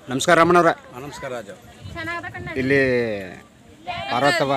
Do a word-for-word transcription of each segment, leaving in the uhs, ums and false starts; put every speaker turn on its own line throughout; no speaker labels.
ನಮಸ್ಕಾರ ರಮಣವ್ರ.
ನಮಸ್ಕಾರ ರಾಜು.
ಇಲ್ಲಿ ಪಾರ್ವತವ್ವ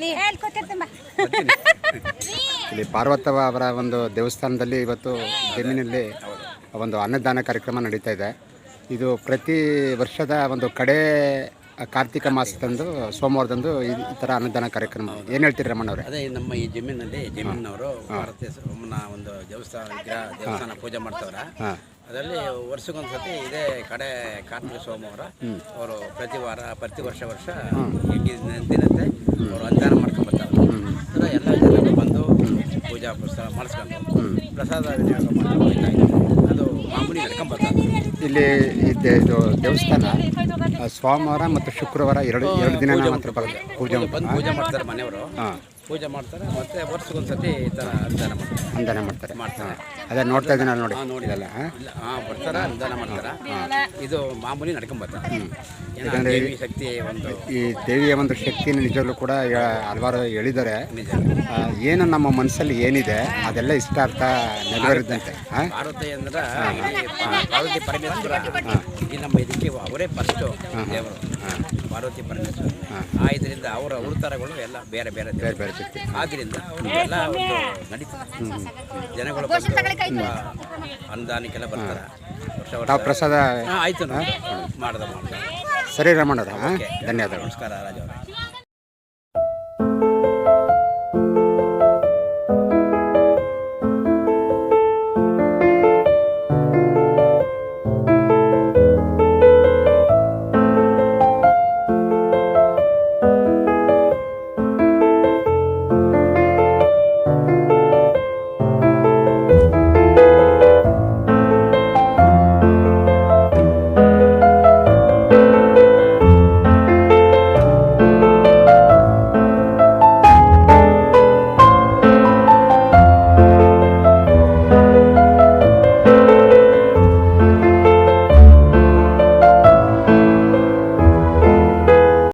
ಇಲ್ಲಿ ಪಾರ್ವತವ್ವ ಅವರ ಒಂದು ದೇವಸ್ಥಾನದಲ್ಲಿ ಇವತ್ತು ಜಮೀನಲ್ಲಿ ಒಂದು ಅನ್ನದಾನ ಕಾರ್ಯಕ್ರಮ ನಡೀತಾ ಇದೆ. ಇದು ಪ್ರತಿ ವರ್ಷದ ಒಂದು ಕಡೆ ಕಾರ್ತಿಕ ಮಾಸದಂದು ಸೋಮವಾರದಂದು ಈ ಥರ ಅನ್ನದಾನ ಕಾರ್ಯಕ್ರಮ. ಏನು ಹೇಳ್ತೀರಿ ರಮಣ್ಣವ್ರೆ?
ಅದೇ ನಮ್ಮ ಈ ಜಮೀನಲ್ಲಿ ಜಮೀನವರು ಭಾರತೀಯ ಸೋಮನ ಒಂದು ದೇವಸ್ಥಾನ ವಿಗ್ರಹ ದೇವಸ್ಥಾನ ಪೂಜೆ ಮಾಡ್ತವ್ರೆ. ಅದರಲ್ಲಿ ವರ್ಷಕ್ಕೊಂದು ಸತಿ ಇದೇ ಕಡೆ ಕಾರ್ತಿಕ ಸೋಮವಾರ ಅವರು ಪ್ರತಿ ವಾರ ಪ್ರತಿ ವರ್ಷ ವರ್ಷ ದಿನಂತೆ ಅವರು ಅನುದಾನ ಮಾಡ್ಕೊಂಡ್ಬರ್ತಾರೆ. ಎಲ್ಲ ಜನರು ಬಂದು ಪೂಜಾ ಪುಸ್ತಕ ಮಾಡಿಸ್ಕೊಂಡು ಪ್ರಸಾದ ವಿನಿಯೋಗ ಮಾಡ್ಕೊಂಡು ಅದು ಮಾಮೂಲಿ ನಡ್ಕೊಂಡ್ಬರ್ತಾರೆ.
ಇಲ್ಲಿ ಇದು ದೇವಸ್ಥಾನ ಸೋಮವಾರ ಮತ್ತು ಶುಕ್ರವಾರ ಎರಡು ಎರಡು ದಿನ ಮಾತ್ರ ಬರುತ್ತೆ ಪೂಜೆ
ಬಂದು ಪೂಜೆ ಮಾಡ್ತಾರೆ ಮನೆಯವರು. ಪೂಜೆ ಮಾಡ್ತಾರೆ ಮತ್ತೆ ವರ್ಷಕ್ಕೊಂದು ಸತಿ ಈ ಥರ ಅನುದಾನ ಮಾಡ್ತಾರೆ
ಅನುದಾನ ಮಾಡ್ತಾರೆ
ಮಾಡ್ತಾರೆ
ಅದೇ ನೋಡ್ತಾ ಇದ್ದೀನಿ ನೋಡಿ
ನೋಡಿದಲ್ಲ. ಹಾಂ ಬರ್ತಾರೆ ಅನುದಾನ ಮಾಡ್ತಾರೆ. ಇದು ಮಾಮೂಲಿ ನಡ್ಕೊಂಬರ್ತಾರೆ.
ಯಾಕಂದರೆ
ದೇವಿ ಶಕ್ತಿ ಒಂದು
ಈ ದೇವಿಯ ಒಂದು ಶಕ್ತಿನ ನಿಜವಲ್ಲೂ ಕೂಡ ಹಲವಾರು ಹೇಳಿದ್ದಾರೆ. ಏನು ನಮ್ಮ ಮನಸ್ಸಲ್ಲಿ ಏನಿದೆ ಅದೆಲ್ಲ ಇಷ್ಟಾರ್ಥ ನೆರವೇರಿದಂತೆ.
ಪಾರ್ವತಿ ಅಂದ್ರೆ ಪಾರ್ವತಿ ಪರಮೇಶ್ವರ ಈ ನಮ್ಮ ಇದಕ್ಕೆ ಅವರೇ ಫಸ್ಟು ದೇವರು ಪಾರ್ವತಿ ಪರಮೇಶ್ವರ. ಆ ಇದರಿಂದ ಅವರ ಅವತಾರಗಳು ಎಲ್ಲ ಬೇರೆ ಬೇರೆ ಬೇರೆ ಬೇರೆ ಶಕ್ತಿ ಆದ್ದರಿಂದ ಎಲ್ಲ ಒಂದು ನಡೀತದೆ. ಜನಗಳು ಅನುದಾನಕ್ಕೆಲ್ಲ ಬರ್ತಾರೆ.
ತಾವು ಪ್ರಸಾದ
ಆಯ್ತು ಮಾಡ್ದ ಮಾಡ್ದ.
ಸರಿ ರಮಣ್ಣವ್ರ, ಧನ್ಯವಾದಗಳು.
ನಮಸ್ಕಾರ ರಾಜ ಅವರೇ.